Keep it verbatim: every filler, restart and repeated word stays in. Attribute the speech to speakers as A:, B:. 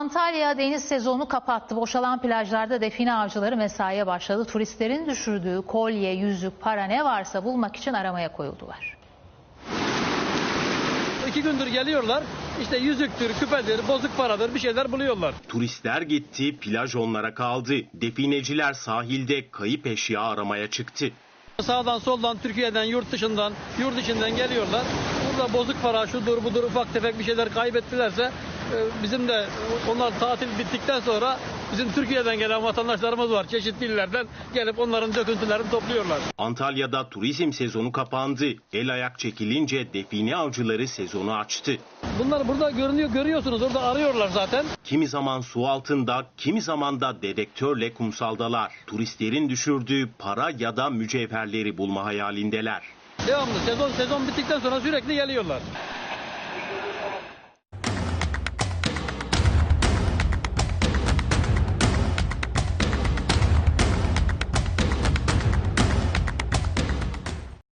A: Antalya deniz sezonu kapattı. Boşalan plajlarda define avcıları mesaiye başladı. Turistlerin düşürdüğü kolye, yüzük, para ne varsa bulmak için aramaya koyuldular.
B: İki gündür geliyorlar. İşte yüzüktür, küpedir, bozuk paradır bir şeyler buluyorlar.
C: Turistler gitti, plaj onlara kaldı. Defineciler sahilde kayıp eşya aramaya çıktı.
B: Sağdan soldan Türkiye'den, yurt dışından, yurt içinden geliyorlar. Burada bozuk para, şudur budur ufak tefek bir şeyler kaybettilerse bizim de onlar tatil bittikten sonra bizim Türkiye'den gelen vatandaşlarımız var. Çeşitli illerden gelip onların döküntülerini topluyorlar.
C: Antalya'da turizm sezonu kapandı. El ayak çekilince define avcıları sezonu açtı.
B: Bunlar burada görünüyor, görüyorsunuz. Orada arıyorlar zaten.
C: Kimi zaman su altında, kimi zaman da dedektörle kumsaldalar. Turistlerin düşürdüğü para ya da mücevherleri bulma hayalindeler.
B: Devamlı sezon sezon bittikten sonra sürekli geliyorlar.